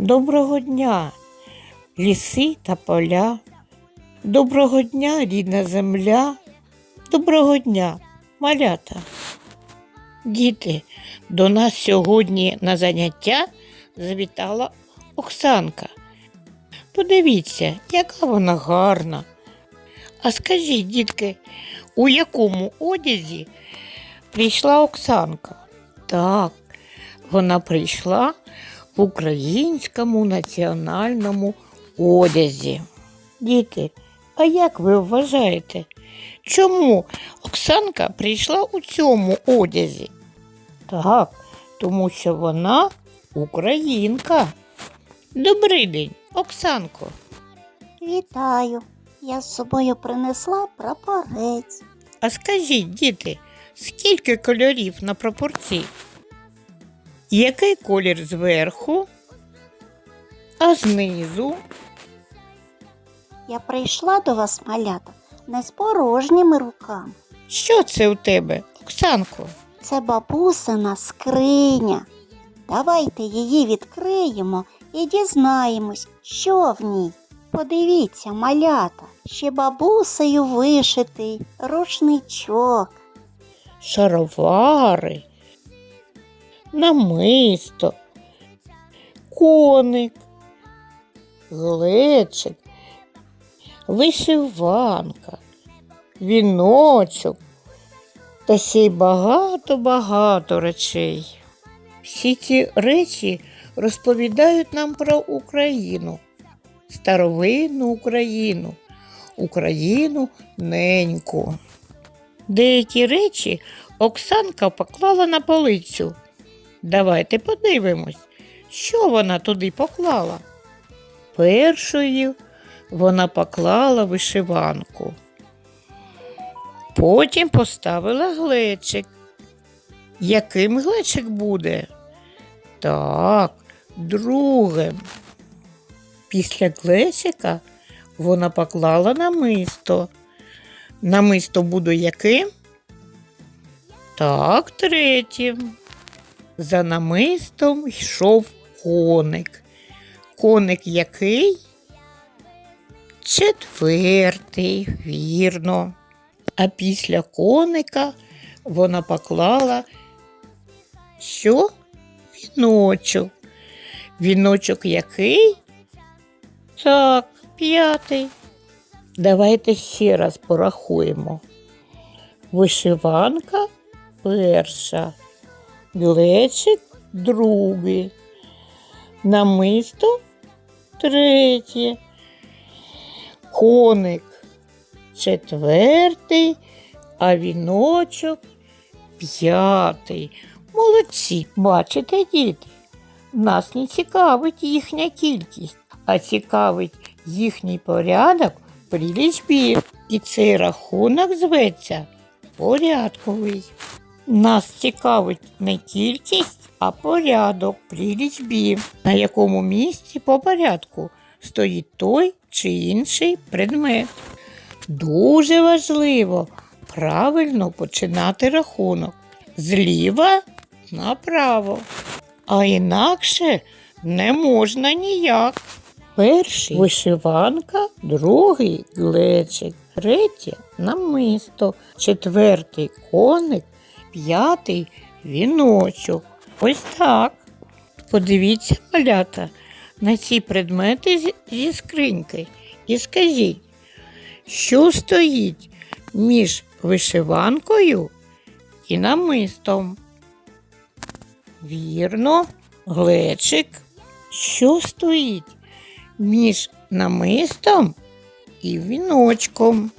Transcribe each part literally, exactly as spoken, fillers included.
Доброго дня, ліси та поля. Доброго дня, рідна земля. Доброго дня, малята. Діти, до нас сьогодні на заняття завітала Оксанка. Подивіться, яка вона гарна. А скажіть, дітки, у якому одязі прийшла Оксанка? Так, вона прийшла в українському національному одязі. Діти, а як ви вважаєте, чому Оксанка прийшла у цьому одязі? Так, тому що вона українка. Добрий день, Оксанко. Вітаю! Я з собою принесла прапорець. А скажіть, діти, скільки кольорів на прапорці? Який колір зверху, а знизу? Я прийшла до вас, малята, не з порожніми руками. Що це у тебе, Оксанко? Це бабусина скриня. Давайте її відкриємо і дізнаємось, що в ній. Подивіться, малята, ще бабусею вишитий рушничок. Шаровари, намисто, коник, глечик, вишиванка, віночок та ще й багато-багато речей. Всі ці речі розповідають нам про Україну, старовинну Україну, Україну неньку. Деякі речі Оксанка поклала на полицю. Давайте подивимось, що вона туди поклала. Першою вона поклала вишиванку. Потім поставила глечик. Яким глечик буде? Так, другим. Після глечика вона поклала намисто. Намисто буде яким? Так, третім. За намистом йшов коник. Коник який? Четвертий, вірно. А після коника вона поклала що? Віночок. Віночок який? Так, п'ятий. Давайте ще раз порахуємо. Вишиванка перша, глечик другий, намисто третє, коник четвертий, а віночок п'ятий. Молодці, бачите, діти? Нас не цікавить їхня кількість, а цікавить їхній порядок при лічбі. І цей рахунок зветься порядковий. Нас цікавить не кількість, а порядок при лічбі, на якому місці по порядку стоїть той чи інший предмет. Дуже важливо правильно починати рахунок зліва направо, а інакше не можна ніяк. Перший вишиванка, другий глечик, третє намисто, четвертий коник, п'ятий віночок. Ось так. Подивіться, малята, на ці предмети зі скриньки і скажіть, що стоїть між вишиванкою і намистом? Вірно, глечик. Що стоїть між намистом і віночком?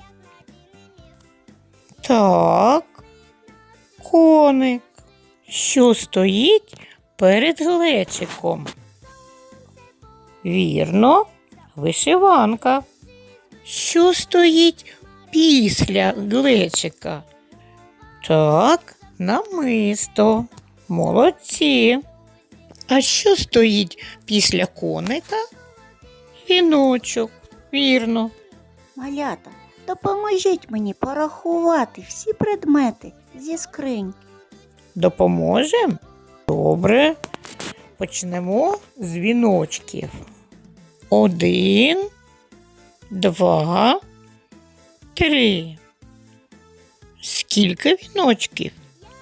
Так, коник. Що стоїть перед глечиком? Вірно, вишиванка. Що стоїть після глечика? Так, намисто. Молодці. А що стоїть після коника? Віночок. Вірно. Малята, допоможіть мені порахувати всі предмети зі скриньки. Допоможемо? Добре. Почнемо з віночків. Один, два, три. Скільки віночків?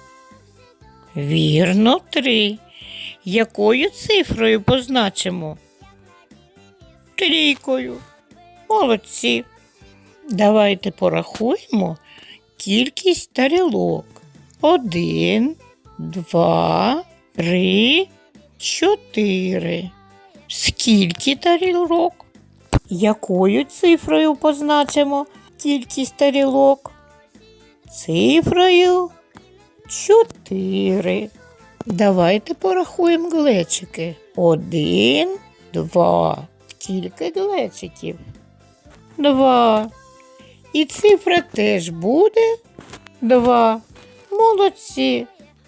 Вірно, три. Якою цифрою позначимо? Трійкою. Молодці. Давайте порахуємо кількість тарілок. Один, два, три, чотири. Скільки тарілок? Якою цифрою позначимо кількість тарілок? Цифрою чотири. Давайте порахуємо глечики. Один, два. Скільки глечиків? Два. І цифра теж буде два. Молодці.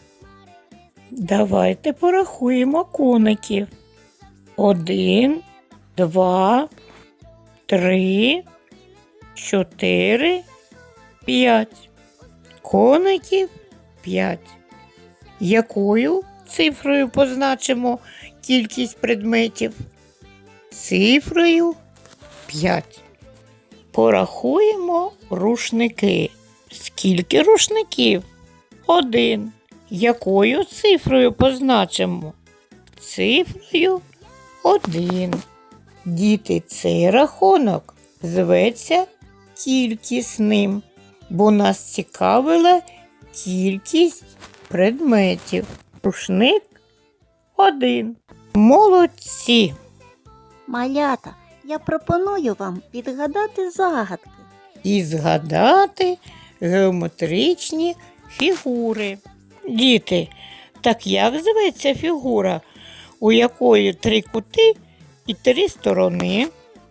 Давайте порахуємо коників. Один, два, три, чотири, п'ять. Коників п'ять. Якою цифрою позначимо кількість предметів? Цифрою п'ять. Порахуємо рушники. Скільки рушників? Один. Якою цифрою позначимо? Цифрою один. Діти, цей рахунок зветься кількісним, бо нас цікавила кількість предметів. Рушник один. Молодці! Малята, я пропоную вам відгадати загадки. І згадати геометричні фігури. Діти, так як зветься фігура, у якої три кути і три сторони?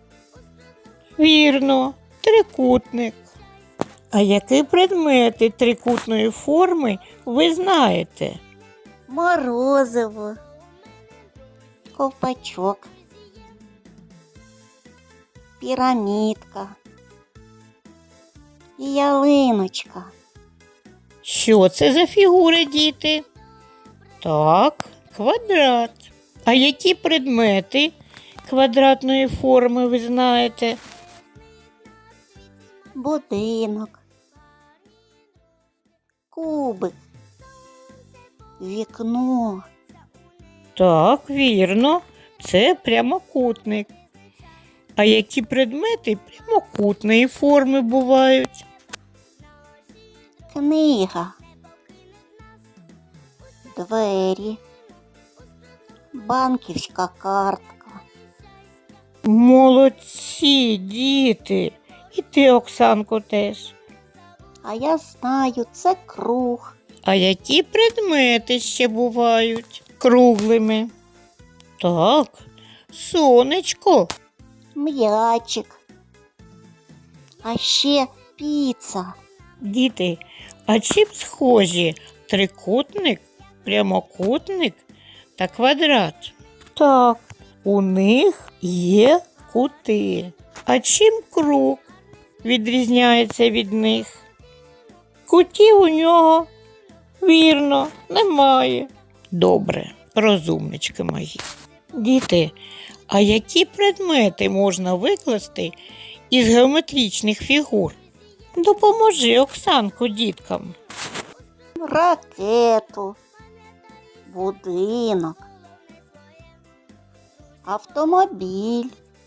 Вірно, трикутник. А які предмети трикутної форми ви знаєте? Морозиво, ковпачок, пірамідка і ялиночка. Що це за фігури, діти? Так, квадрат. А які предмети квадратної форми ви знаєте? Будинок, кубик, вікно, Так, вірно, це прямокутник. А які предмети прямокутної форми бувають? книга, двері, банківська картка. Молодці, діти! І ти, Оксанко, теж. А я знаю, це круг, А які предмети ще бувають круглими? Так, сонечко. м'ячик, а ще піца. Діти, а чим схожі трикутник, прямокутник та квадрат? Так, у них є кути. А чим круг відрізняється від них? Кутів у нього, вірно, немає. Добре, розумнички мої. Діти, а які предмети можна викласти із геометричних фігур? Допоможи, Оксанко, діткам. Ракету, будинок, автомобіль,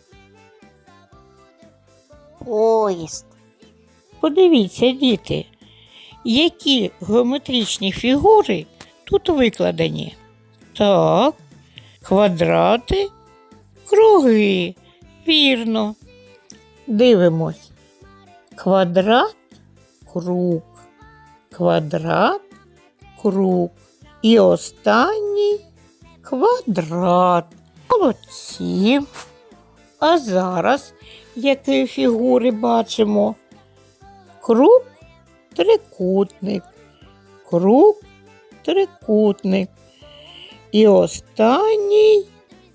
поїзд. Подивіться, діти, які геометричні фігури тут викладені. Так, квадрати, круги. Вірно. Дивимось. Квадрат, круг. Квадрат, круг. І останній квадрат. Молодці. А зараз які фігури бачимо? Круг, трикутник. Круг, трикутник. І останній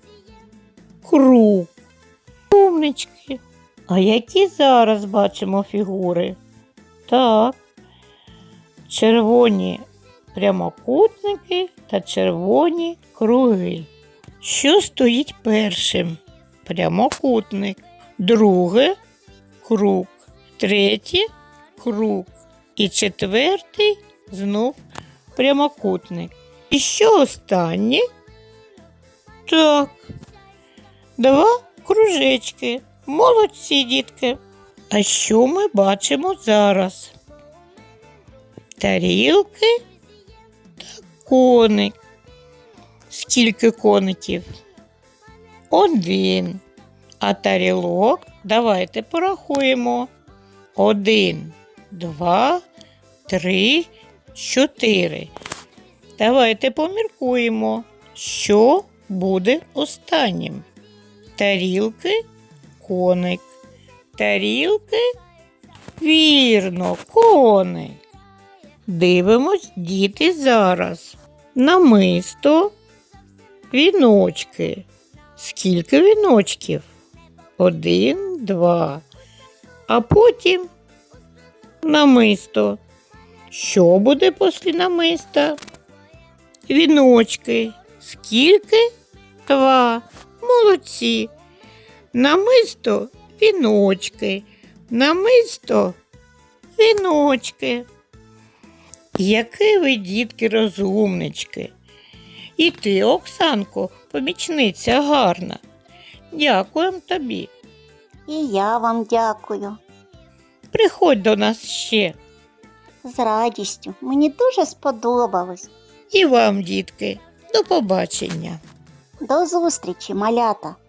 круг. Умнички. А які зараз бачимо фігури? Так. Червоні прямокутники та червоні круги. Що стоїть першим? Прямокутник. Друге круг. Третє круг. І четвертий знов прямокутник. І що останнє? Так. Два кружечки. Молодці, дітки. А що ми бачимо зараз? Тарілки та коник. Скільки коників? Один. А тарілок давайте порахуємо. Один, два, три, чотири. Давайте поміркуємо, що буде останнім. Тарілки, коник. Тарілки, вірно, коник. Дивимось, діти, зараз. Намисто, віночки. Скільки віночків? Один, два. А потім намисто. Що буде після намиста? Віночки. Скільки? Два. Молодці. Намисто, віночки. Намисто, віночки. Які ви, дітки, розумнички. І ти, Оксанко, помічниця гарна. Дякуємо тобі. І я вам дякую. Приходь до нас ще. З радістю. Мені дуже сподобалось. І вам, дітки, до побачення. До зустрічі, малята.